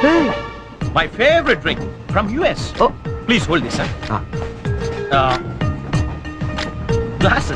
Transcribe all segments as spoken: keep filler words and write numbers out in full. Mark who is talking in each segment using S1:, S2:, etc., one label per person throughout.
S1: My favorite drink from U S.
S2: Oh.
S1: Please hold this, sir.
S2: Ah.
S1: Uh, glasses.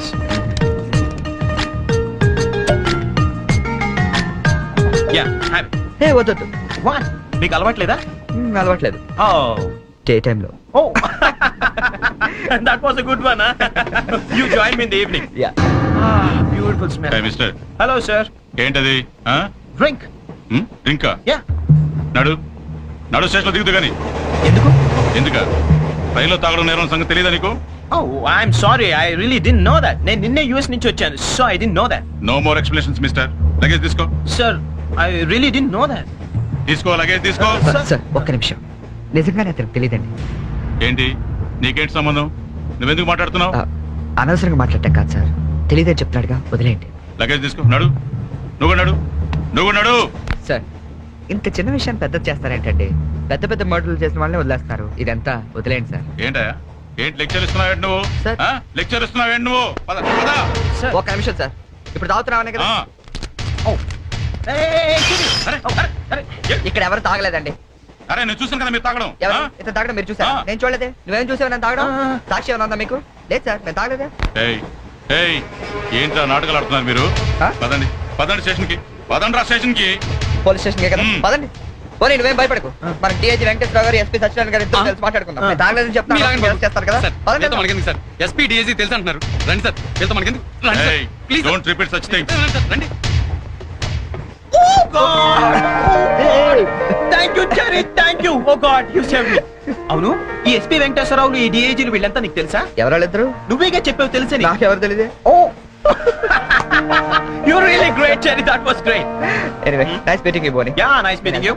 S1: Yeah, have it.
S2: ఏ వద్దొద్దు.
S1: What? మీకు అలవాట్లేదా?
S2: మ్, అలవాట్లేదు.
S1: Oh.
S2: Day టైంలో.
S1: Oh. That was a good one, huh? You join me in the evening.
S2: Yeah.
S1: Ah, beautiful smell.
S3: Hey, mister.
S1: Hello, sir.
S3: ఏంటది
S1: Drink.
S3: డ్రింకా
S1: Yeah.
S3: నడు నడు స్టేషన్లో దిగుతు కానీ
S1: ఎందుకు?
S3: ఎందుక రైల్లో తాగడం నేరం సంగతి తెలియదా నీకు?
S1: Oh, I'm sorry. I really didn't know that. నేను నిన్నే యూఎస్ నుంచి వచ్చాను. So I didn't know that.
S3: No more explanations mister. Luggage తీసుకో.
S1: Sir, I really didn't know that.
S3: తీసుకో లగేజ్ తీసుకో.
S1: Sir.
S2: సార్ ఒక్క నిమిషం. నిజంగానే అతనికి తెలియదండి.
S3: ఏంటి నీకేంటి సంబంధం? నువ్వెందుకు మాట్లాడుతున్నావు?
S2: ఆ, అనవసరంగా మాట్లాడటం కాదు సార్. తెలియదని చెప్తున్నాడుగా, వదిలేయండి.
S3: లగేజ్ తీసుకో. నడు నువ్వు నడు నువ్వు నడు.
S2: సార్ ఇంత చిన్న విషయాన్ని పెద్ద చేస్తారేంటండి? పెద్ద పెద్ద మర్డర్లు చేసిన వాళ్ళని వదిలేస్తారు. ఇదంతా వదిలేయండి సార్.
S3: ఏంటా ఏంటి లెక్చర్ ఇస్తున్నావు నువ్వు?
S2: సార్.
S3: లెక్చర్ ఇస్తున్నావు నువ్వు? పద పద.
S1: Sir.
S2: ఒక్క నిమిషం సార్. ఇప్పుడు తాగుతున్నావనే కదా?
S3: ఆ,
S1: Oh. Hey, hey, hey, Kitty.
S3: అరే,
S1: Oh, అరే, అరే.
S3: ఏ-
S2: ఇక్కడ ఎవరు తాగలేదండి.
S3: అరే నేను చూసాను కదా మీరు తాగడం.
S2: ఎవరు
S3: ఆ?
S2: ఇతను తాగడం మీరు చూసారా?
S3: ఆ.
S2: నేను చూడలేదే. నువ్వేం చూసావు నేను తాగడం?
S1: ఆ.
S2: సాక్షి ఏమైనా ఉందా మీకు? లేదు సార్, నేను తాగలేదే.
S3: ఏయ్ ఏయ్ ఏంట్రా నాటకాలు ఆడుతున్నారు మీరు?
S2: ఆ?
S3: పదండి పదండి స్టేషన్ కి. పదండి రా స్టేషన్ కి.
S2: పోలీస్ స్టేషన్ కదా,
S3: మ్.
S2: పదండి. పోనీ నువ్వేం భయపడకు. మన డిఐజీ వెంకటేశ్వర గారు, ఎస్పీ సత్యనారాయణ గారు ఇద్దరు కలిసి మాట్లాడుకుందాం. నేను తాగలేదని చెప్తాను, అరెస్ట్ చేస్తారు కదా. పదండి.
S4: మనకెందుకు సార్? ఎస్పీ డిఐజీ తెలుసు అంటున్నారు. రండి సార్, వెళ్తాం. మనకెందుకు? రండి sir.
S3: Hey,
S4: please
S3: don't repeat such things.
S4: రండి.
S1: Oh, God. Oh, Thank you, Jerry. Thank you. Oh, God. You saved me. అవును, ఈ ఎస్పీ వెంకటేశ్వరరావులు, ఈ డిఐజీలు వీళ్ళంతా నీకు తెలుసా?
S2: ఎవరాళ్ళిద్దరు?
S1: నువ్వేగా చెప్పావు తెలుసని.
S2: నాకెవరు తెలియదే.
S1: Oh. You're really great, Jerry. That was great.
S2: Anyway, nice meeting you Bonnie.
S1: Yeah, nice meeting you.